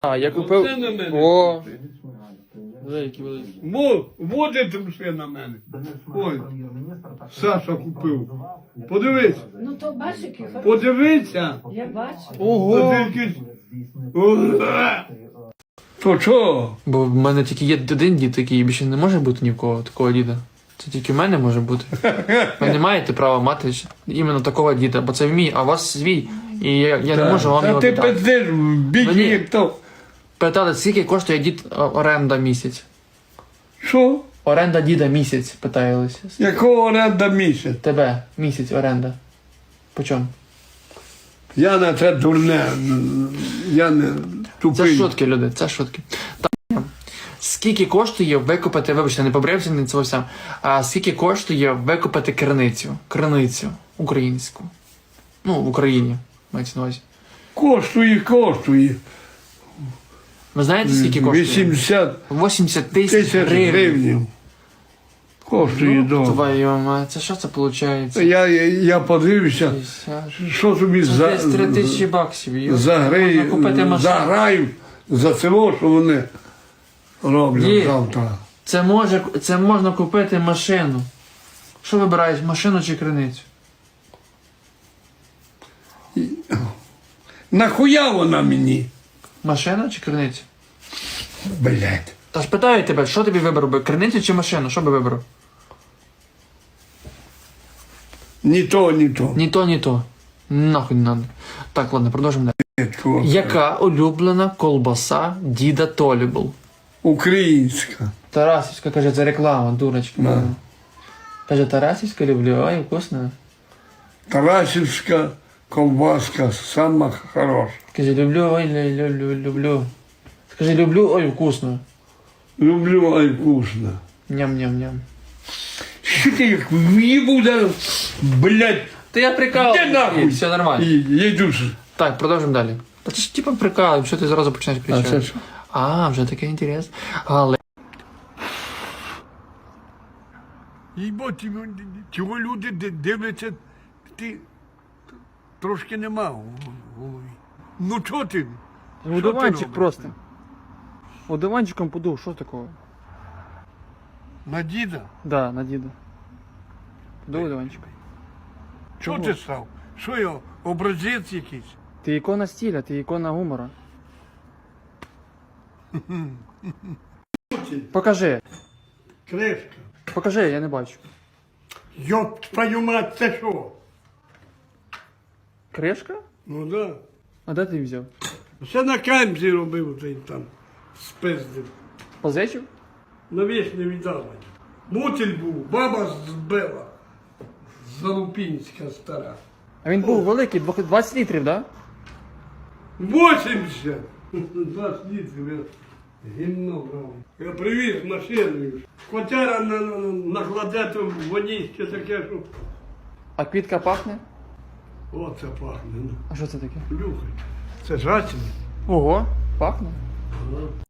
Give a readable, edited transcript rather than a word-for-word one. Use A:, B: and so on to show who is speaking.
A: А, я купив...
B: Оце на мене.
A: О, великі, великі.
B: Водить все на мене. Ой, Саша купив. Подивись.
C: Ну то бачиш, який хороший.
B: Подивися.
C: Я бачу.
A: Ого!
B: То що?
A: Бо в мене тільки є один дід такий, більше не може бути ні в кого такого діда. Це тільки в мене може бути. Ви не маєте права мати іменно такого діда, бо це мій, а у вас свій. І я не можу вам
B: Та
A: його
B: ти
A: віддати.
B: пиздиш, більше
A: Мені-
B: як то.
A: Питали, скільки коштує дід оренда місяць?
B: Що?
A: Оренда діда місяць, питалися.
B: Якого оренда місяць?
A: Тебе місяць оренда. По чому?
B: Я на це дурне. Я не
A: Це
B: тупий.
A: шутки, люди, це шутки. Так. Скільки коштує викупити, вибачте, не побрився, не це сам, а скільки коштує викупити криницю українську? Ну, в Україні, мається на увазі.
B: Коштує.
A: Ви знаєте, скільки коштує?
B: 80
A: 80 тисяч
B: тисяч
A: гривень.
B: гривень. Коштує, да.
A: Твою мать, це що це виходить?
B: Я подивився, що тобі
A: Це десь 3 тисячі баксів. Можна купити машину.
B: заграють за село, що вони роблять
A: Є.
B: завтра.
A: Це можна купити машину. Що вибираєш, машину чи криницю?
B: Нахуя вона мені?
A: Машина чи криницю?
B: Блять.
A: Та ж питаю тебе, що тобі вибрав би, криницю чи машину? Що би вибрав?
B: Ні то, ні то.
A: Ні то, ні то. Нахуй не надо. Так, ладно, продовжимо далі.
B: Чувак.
A: Яка улюблена колбаса діда Толі був?
B: Українська.
A: Тарасівська, каже, це реклама, дурочка.
B: Да.
A: Каже, Тарасівська люблю, ой, вкусно.
B: Тарасівська ковбаска сама хороша.
A: Каже, люблю, ой, люблю. Скажи, люблю, ой, вкусно.
B: Люблю, ай вкусно.
A: Ням-ням-ням.
B: Що ти як в'їбу зараз? Блять.
A: Та я прикалую.
B: Де нахуй?
A: Все нормально.
B: Я йду.
A: Так, продовжимо далі. Та це ж типу прикалуємо, що ти зразу почнеш кричати.
B: це що?
A: А, вже таке інтерес. Але
B: Їбо, цього люди дивляться, ти трошки нема в голові. Ну чого ти? Що ти робиш?
A: просто. Одуванчиком подув, що такого?
B: На діда?
A: Да, на діда. Подув одуванчиком.
B: Чого ти став? Що я, образець якийсь?
A: Ти ікона стиля, ти ікона гумора. Покажи.
B: Кришка.
A: Покажи, я не бачу.
B: Йоп, твою мать, це що?
A: Кришка?
B: Ну да.
A: А де ти взяв?
B: Все на камзі робив цей там, спиздив.
A: Позичив?
B: На віч не віддали. Мутіль був, баба збила. Залупінська стара.
A: А він був великий, 20 літрів, да?
B: 80! 20 літрів я гімно брав. Я привіз машиною. Котяра накладе там водіще таке, що...
A: А квітка пахне?
B: Оце пахне.
A: А що це таке?
B: Плюхай. Це жачина.
A: Ого, пахне.
B: Ага.